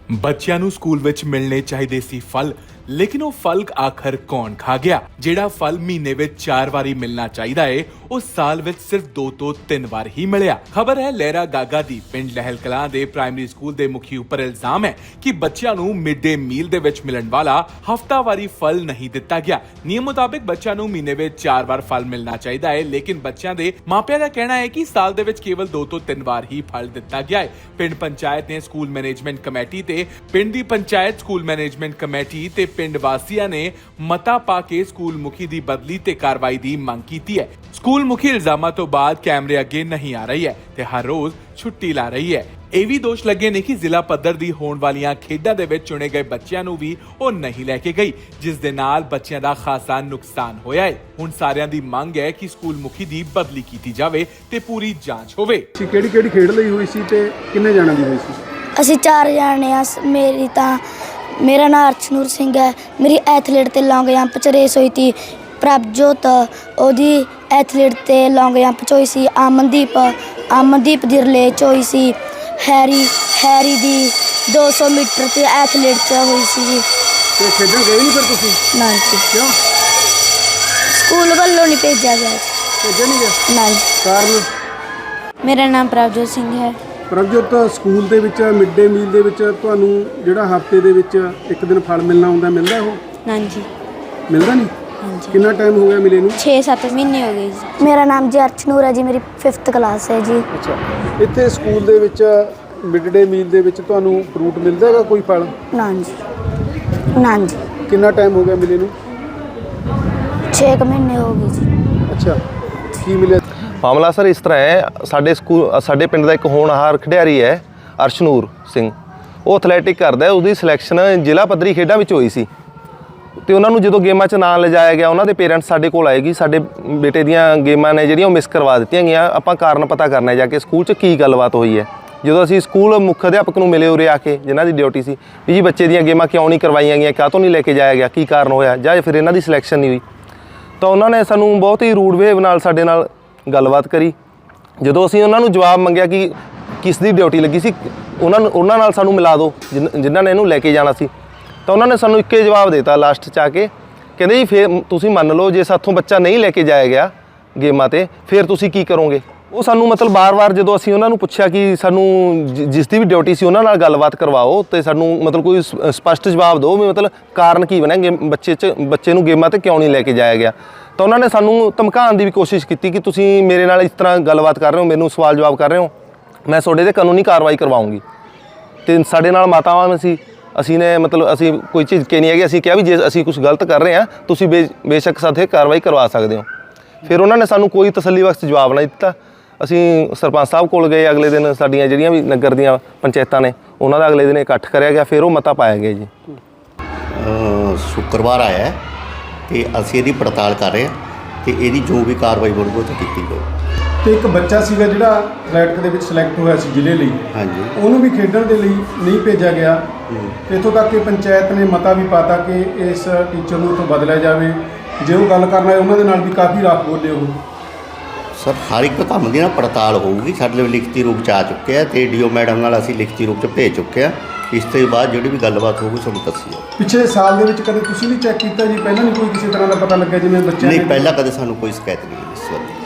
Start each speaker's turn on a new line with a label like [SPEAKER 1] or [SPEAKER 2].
[SPEAKER 1] ਬੱਚਿਆਂ ਨੂੰ ਸਕੂਲ ਵਿੱਚ ਮਿਲਣੇ ਚਾਹੀਦੇ ਸੀ ਫਲ, ਲੇਕਿਨ ਉਹ ਫਲ ਆਖਰ ਕੌਣ ਖਾ ਗਿਆ? ਜਿਹੜਾ ਫਲ ਮਹੀਨੇ ਵਿੱਚ 4 ਵਾਰੀ ਮਿਲਣਾ ਚਾਹੀਦਾ ਏ, ਉਹ ਸਾਲ ਵਿੱਚ ਸਿਰਫ 2 ਤੋਂ 3 ਵਾਰ ਹੀ ਮਿਲਿਆ। ਖਬਰ ਹੈ ਲਹਿਰਾ ਗਾਗਾ ਦੀ। ਪਿੰਡ ਲਹਿਲ ਕਲਾਂ ਦੇ ਪ੍ਰਾਇਮਰੀ ਸਕੂਲ ਦੇ ਮੁਖੀ ਉੱਪਰ ਇਲਜ਼ਾਮ ਹੈ ਕਿ ਬੱਚਿਆਂ ਨੂੰ ਮਿਡ ਡੇ ਮੀਲ ਦੇ ਵਿੱਚ ਮਿਲਣ ਵਾਲਾ ਹਫ਼ਤਾਵਾਰੀ ਫਲ ਨਹੀਂ ਦਿੱਤਾ ਗਿਆ। ਨਿਯਮ ਮੁਤਾਬਿਕ ਬੱਚਿਆਂ ਨੂੰ ਮਹੀਨੇ ਵਿੱਚ 4 ਵਾਰ ਫਲ ਮਿਲਣਾ ਚਾਹੀਦਾ ਹੈ, ਲੇਕਿਨ ਬੱਚਿਆਂ ਦੇ ਮਾਪਿਆਂ ਦਾ ਕਹਿਣਾ ਹੈ ਕਿ ਸਾਲ ਦੇ ਵਿੱਚ ਕੇਵਲ 2 ਤੋਂ 3 ਵਾਰ ਹੀ ਫਲ ਦਿੱਤਾ ਗਿਆ ਹੈ। ਪਿੰਡ ਪੰਚਾਇਤ ਨੇ ਸਕੂਲ ਮੈਨੇਜਮੈਂਟ ਕਮੇਟੀ ਤੇ ਪਿੰਡ ਦੀ ਪੰਚਾਇਤ ਸਕੂਲ ਮੈਨੇਜਮੈਂਟ ਕਮੇਟੀ ਤੇ ਪਿੰਡ ਵਾਸੀਆਂ ਨੇ ਮਤਾ ਪਾ ਕੇ ਸਕੂਲ ਮੁਖੀ ਦੀ ਬਦਲੀ ਤੇ ਕਾਰਵਾਈ ਦੀ ਮੰਗ ਕੀਤੀ ਹੈ। ਸਕੂਲ ਮੁਖੀ ਇਲਜ਼ਾਮਾਂ ਤੋਂ ਬਾਅਦ ਕੈਮਰੇ ਅੱਗੇ ਨਹੀਂ ਆ ਰਹੀ ਹੈ ਤੇ ਹਰ ਰੋਜ਼ ਛੁੱਟੀ ਲਾ ਰਹੀ ਹੈ। ਇਹ ਵੀ ਦੋਸ਼ ਲੱਗੇ ਨੇ ਕਿ ਜ਼ਿਲ੍ਹਾ ਪੱਧਰ ਦੀ ਹੋਣ ਵਾਲੀਆਂ ਖੇਡਾਂ ਦੇ ਵਿੱਚ ਚੁਣੇ ਗਏ ਬੱਚਿਆਂ ਨੂੰ ਵੀ ਉਹ ਨਹੀਂ ਲੈ ਕੇ ਗਈ, ਜਿਸ ਦੇ ਨਾਲ ਬੱਚਿਆਂ ਦਾ ਖਾਸਾ ਨੁਕਸਾਨ ਹੋਇਆ ਹੈ। ਹੁਣ ਸਾਰਿਆਂ ਦੀ ਮੰਗ ਹੈ ਕਿ ਸਕੂਲ ਮੁਖੀ ਦੀ ਬਦਲੀ ਕੀਤੀ ਜਾਵੇ ਤੇ ਪੂਰੀ ਜਾਂਚ ਹੋਵੇ।
[SPEAKER 2] ਕਿਹੜੀ ਖੇਡ ਲਈ ਹੋਈ ਸੀ ਤੇ ਕਿੰਨੇ ਜਣਾਂ ਦੀ ਹੋਈ ਸੀ?
[SPEAKER 3] ਅਸੀਂ 4 ਜਾਣੇ ਆ। ਮੇਰਾ ਨਾਮ ਅਰਸ਼ਨੂਰ ਸਿੰਘ ਹੈ। ਮੇਰੀ ਐਥਲੀਟ ਤੇ ਲੌਂਗ ਜੰਪ 'ਚ ਰੇਸ ਹੋਈ ਸੀ। ਪ੍ਰਭਜੋਤ ਉਹਦੀ ਐਥਲੀਟ ਤੇ ਲੌਂਗ ਜੰਪ 'ਚ ਹੋਈ ਸੀ। ਅਮਨਦੀਪ ਦੀ ਰਿਲੇ 'ਚ ਹੋਈ ਸੀ। ਹੈਰੀ ਦੀ 200 ਮੀਟਰ ਤੇ ਐਥਲੀਟ 'ਚ ਹੋਈ ਸੀ ਜੀ।
[SPEAKER 2] ਤੇ ਖੇਡਣ ਗਏ ਨਹੀਂ ਫਿਰ ਤੁਸੀਂ?
[SPEAKER 3] ਨਾ ਜੀ,
[SPEAKER 2] ਕਿਉਂ?
[SPEAKER 3] ਸਕੂਲ ਵੱਲੋਂ ਨਹੀਂ ਭੇਜਿਆ ਗਿਆ।
[SPEAKER 2] ਭੇਜਿਆ ਨਹੀਂ ਗਿਆ?
[SPEAKER 3] ਨਾ ਜੀ।
[SPEAKER 2] ਕਾਰਨ?
[SPEAKER 3] ਮੇਰਾ ਨਾਮ ਪ੍ਰਭਜੋਤ ਸਿੰਘ ਹੈ।
[SPEAKER 2] ਪ੍ਰਭਜੋਤ, ਸਕੂਲ ਦੇ ਵਿੱਚ ਮਿਡ ਡੇ ਮੀਲ ਦੇ ਵਿੱਚ ਤੁਹਾਨੂੰ ਜਿਹੜਾ ਹਫਤੇ ਦੇ ਵਿੱਚ ਇੱਕ ਦਿਨ ਫਲ ਮਿਲਣਾ ਹੁੰਦਾ, ਮਿਲਦਾ ਉਹ?
[SPEAKER 3] ਨਾ ਜੀ,
[SPEAKER 2] ਮਿਲਦਾ ਨਹੀਂ।
[SPEAKER 3] ਹਾਂਜੀ।
[SPEAKER 2] ਕਿੰਨਾ ਟਾਈਮ ਹੋ ਗਿਆ ਮਿਲੇ ਨੂੰ?
[SPEAKER 3] 6-7 ਮਹੀਨੇ ਹੋ ਗਏ ਜੀ। ਮੇਰਾ ਨਾਮ ਜੀ ਅਰਸ਼ਨੂਰ ਹੈ ਜੀ। ਮੇਰੀ 5th ਕਲਾਸ ਹੈ ਜੀ।
[SPEAKER 2] ਅੱਛਾ, ਇੱਥੇ ਸਕੂਲ ਦੇ ਵਿੱਚ ਮਿਡ ਡੇ ਮੀਲ ਦੇ ਵਿੱਚ ਤੁਹਾਨੂੰ ਫਰੂਟ ਮਿਲਦਾ ਹੈਗਾ, ਕੋਈ ਫਲ?
[SPEAKER 3] ਨਾ ਜੀ। ਨਾ ਜੀ।
[SPEAKER 2] ਕਿੰਨਾ ਟਾਈਮ ਹੋ ਗਿਆ ਮਿਲੇ ਨੂੰ?
[SPEAKER 3] 6 ਮਹੀਨੇ ਹੋ ਗਏ ਜੀ।
[SPEAKER 2] ਅੱਛਾ, ਕੀ ਮਿਲਿਆ?
[SPEAKER 4] ਮਾਮਲਾ ਸਰ ਇਸ ਤਰ੍ਹਾਂ ਹੈ, ਸਾਡੇ ਪਿੰਡ ਦਾ ਇੱਕ ਹੋਣਹਾਰ ਖਿਡਾਰੀ ਹੈ ਅਰਸ਼ਨੂਰ ਸਿੰਘ। ਉਹ ਐਥਲੈਟਿਕ ਕਰਦਾ, ਉਹਦੀ ਸਿਲੈਕਸ਼ਨ ਜ਼ਿਲ੍ਹਾ ਪੱਧਰੀ ਖੇਡਾਂ ਵਿੱਚ ਹੋਈ ਸੀ ਤੇ ਉਹਨਾਂ ਨੂੰ ਜਦੋਂ ਗੇਮਾਂ 'ਚ ਨਾਂ ਲਿਜਾਇਆ ਗਿਆ, ਉਹਨਾਂ ਦੇ ਪੇਰੈਂਟਸ ਸਾਡੇ ਕੋਲ ਆਏ ਕਿ ਸਾਡੇ ਬੇਟੇ ਦੀਆਂ ਗੇਮਾਂ ਨੇ ਜਿਹੜੀਆਂ ਉਹ ਮਿਸ ਕਰਵਾ ਦਿੱਤੀਆਂ ਗਈਆਂ, ਆਪਾਂ ਕਾਰਨ ਪਤਾ ਕਰਨਾ ਜਾ ਕੇ ਸਕੂਲ 'ਚ ਕੀ ਗੱਲਬਾਤ ਹੋਈ ਹੈ। ਜਦੋਂ ਅਸੀਂ ਸਕੂਲ ਮੁੱਖ ਅਧਿਆਪਕ ਨੂੰ ਮਿਲੇ ਉਰੇ ਆ ਕੇ, ਜਿਨ੍ਹਾਂ ਦੀ ਡਿਊਟੀ ਸੀ ਵੀ ਜੀ ਬੱਚੇ ਦੀਆਂ ਗੇਮਾਂ ਕਿਉਂ ਨਹੀਂ ਕਰਵਾਈਆਂ ਗਈਆਂ, ਕਾਹਤੋਂ ਨਹੀਂ ਲੈ ਕੇ ਜਾਇਆ ਗਿਆ, ਕੀ ਕਾਰਨ ਹੋਇਆ, ਜਾਂ ਫਿਰ ਇਹਨਾਂ ਦੀ ਸਿਲੈਕਸ਼ਨ ਨਹੀਂ ਹੋਈ, ਤਾਂ ਉਹਨਾਂ ਨੇ ਸਾਨੂੰ ਬਹੁਤ ਹੀ ਰੂਡ ਵੇਵ ਨਾਲ ਸਾਡੇ ਨਾਲ ਗੱਲਬਾਤ ਕਰੀ। ਜਦੋਂ ਅਸੀਂ ਉਹਨਾਂ ਨੂੰ ਜਵਾਬ ਮੰਗਿਆ ਕਿ ਕਿਸ ਦੀ ਡਿਊਟੀ ਲੱਗੀ ਸੀ, ਉਹਨਾਂ ਨਾਲ ਸਾਨੂੰ ਮਿਲਾ ਦਿਓ ਜਿਨ੍ਹਾਂ ਨੇ ਇਹਨੂੰ ਲੈ ਕੇ ਜਾਣਾ ਸੀ, ਤਾਂ ਉਹਨਾਂ ਨੇ ਸਾਨੂੰ ਇੱਕੇ ਜਵਾਬ ਦਿੱਤਾ ਲਾਸਟ 'ਚ ਆ ਕੇ, ਕਹਿੰਦੇ ਜੀ ਫਿਰ ਤੁਸੀਂ ਮੰਨ ਲਓ ਜੇ ਸਾਥੋਂ ਬੱਚਾ ਨਹੀਂ ਲੈ ਕੇ ਜਾਇਆ ਗਿਆ ਗੇਮਾਂ 'ਤੇ, ਫਿਰ ਤੁਸੀਂ ਕੀ ਕਰੋਗੇ? ਉਹ ਸਾਨੂੰ ਮਤਲਬ ਵਾਰ-ਵਾਰ ਜਦੋਂ ਅਸੀਂ ਉਹਨਾਂ ਨੂੰ ਪੁੱਛਿਆ ਕਿ ਸਾਨੂੰ ਜਿਸ ਦੀ ਵੀ ਡਿਊਟੀ ਸੀ ਉਹਨਾਂ ਨਾਲ ਗੱਲਬਾਤ ਕਰਵਾਓ ਅਤੇ ਸਾਨੂੰ ਮਤਲਬ ਕੋਈ ਸਪਸ਼ਟ ਜਵਾਬ ਦਿਓ ਵੀ ਮਤਲਬ ਕਾਰਨ ਕੀ ਬਣਿਆ ਬੱਚੇ ਨੂੰ ਗੇਮਾਂ 'ਤੇ ਕਿਉਂ ਨਹੀਂ ਲੈ ਕੇ ਜਾਇਆ ਗਿਆ, ਤਾਂ ਉਹਨਾਂ ਨੇ ਸਾਨੂੰ ਧਮਕਾਉਣ ਦੀ ਵੀ ਕੋਸ਼ਿਸ਼ ਕੀਤੀ ਕਿ ਤੁਸੀਂ ਮੇਰੇ ਨਾਲ ਇਸ ਤਰ੍ਹਾਂ ਗੱਲਬਾਤ ਕਰ ਰਹੇ ਹੋ, ਮੈਨੂੰ ਸਵਾਲ ਜਵਾਬ ਕਰ ਰਹੇ ਹੋ, ਮੈਂ ਤੁਹਾਡੇ 'ਤੇ ਕਾਨੂੰਨੀ ਕਾਰਵਾਈ ਕਰਵਾਉਂਗੀ। ਅਤੇ ਸਾਡੇ ਨਾਲ ਮਾਤਾਵਾਂ ਸੀ, ਅਸੀਂ ਕੋਈ ਚੀਜ਼ ਕਿ ਨਹੀਂ ਹੈਗੀ, ਅਸੀਂ ਕਿਹਾ ਵੀ ਜੇ ਅਸੀਂ ਕੁਝ ਗਲਤ ਕਰ ਰਹੇ ਹਾਂ ਤੁਸੀਂ ਬੇਸ਼ੱਕ ਸਾਡੇ ਕਾਰਵਾਈ ਕਰਵਾ ਸਕਦੇ ਹੋ। ਫਿਰ ਉਹਨਾਂ ਨੇ ਸਾਨੂੰ ਕੋਈ ਤਸੱਲੀ ਬਖਸ਼ ਜਵਾਬ ਨਾ ਦਿੱਤਾ। ਅਸੀਂ ਸਰਪੰਚ ਸਾਹਿਬ ਕੋਲ ਗਏ, ਅਗਲੇ ਦਿਨ ਸਾਡੀਆਂ ਜਿਹੜੀਆਂ ਵੀ ਨਗਰ ਦੀਆਂ ਪੰਚਾਇਤਾਂ ਨੇ ਉਹਨਾਂ ਦਾ ਅਗਲੇ ਦਿਨ ਇਕੱਠ ਕਰਿਆ ਗਿਆ, ਫਿਰ ਉਹ ਮਤਾ ਪਾਇਆ ਗਿਆ ਜੀ।
[SPEAKER 5] ਸ਼ੁੱਕਰਵਾਰ ਆਇਆ ਅਤੇ ਅਸੀਂ ਇਹਦੀ ਪੜਤਾਲ ਕਰ ਰਹੇ ਹਾਂ ਅਤੇ ਇਹਦੀ ਜੋ ਵੀ ਕਾਰਵਾਈ ਬਣੂਗੀ ਉਹ ਕੀਤੀ ਜਾਊ।
[SPEAKER 2] ਤੇ ਇੱਕ ਬੱਚਾ ਸੀਗਾ ਜਿਹੜਾ ਐਥਲੈਟਿਕ ਦੇ ਵਿੱਚ ਸਿਲੈਕਟ ਹੋਇਆ ਸੀ ਜ਼ਿਲ੍ਹੇ ਲਈ,
[SPEAKER 5] ਹਾਂਜੀ,
[SPEAKER 2] ਉਹਨੂੰ ਵੀ ਖੇਡਣ ਦੇ ਲਈ ਨਹੀਂ ਭੇਜਿਆ ਗਿਆ। ਇੱਥੋਂ ਤੱਕ ਕਿ ਪੰਚਾਇਤ ਨੇ ਮਤਾ ਵੀ ਪਾਤਾ ਕਿ ਇਸ ਟੀਚਰ ਨੂੰ ਇੱਥੋਂ ਬਦਲਿਆ ਜਾਵੇ। ਜੇ ਉਹ ਗੱਲ ਕਰਨਾ ਹੈ ਉਹਨਾਂ ਦੇ ਨਾਲ ਵੀ ਕਾਫੀ ਰਾਖ ਬੋਲੇ ਉਹ।
[SPEAKER 5] ਸਰ ਹਰ ਇੱਕ ਕੰਮ ਦੀ ਨਾ ਪੜਤਾਲ ਹੋਊਗੀ। ਸਾਡੇ ਲਈ ਲਿਖਤੀ ਰੂਪ 'ਚ ਆ ਚੁੱਕੇ ਆ ਅਤੇ ਡੀਓ ਮੈਡਮ ਨਾਲ ਅਸੀਂ ਲਿਖਤੀ ਰੂਪ 'ਚ ਭੇਜ ਚੁੱਕੇ ਹਾਂ। ਇਸ ਤੋਂ ਬਾਅਦ ਜਿਹੜੀ ਵੀ ਗੱਲਬਾਤ ਹੋਊਗੀ ਤੁਹਾਨੂੰ ਦੱਸੀ ਜਾਊ।
[SPEAKER 2] ਪਿਛਲੇ ਸਾਲ ਦੇ ਵਿੱਚ ਕਦੇ ਤੁਸੀਂ ਨਹੀਂ ਚੈੱਕ ਕੀਤਾ ਜੀ? ਪਹਿਲਾਂ ਨਹੀਂ ਕੋਈ ਕਿਸੇ ਤਰ੍ਹਾਂ ਦਾ ਪਤਾ ਲੱਗਿਆ ਜਿਵੇਂ ਬੱਚਿਆਂ
[SPEAKER 5] ਨਹੀਂ, ਪਹਿਲਾਂ ਕਦੇ ਸਾਨੂੰ ਕੋਈ ਸ਼ਿਕਾਇਤ ਨਹੀਂ ਮਿਲੀ ਇਸ ਵਾਰ।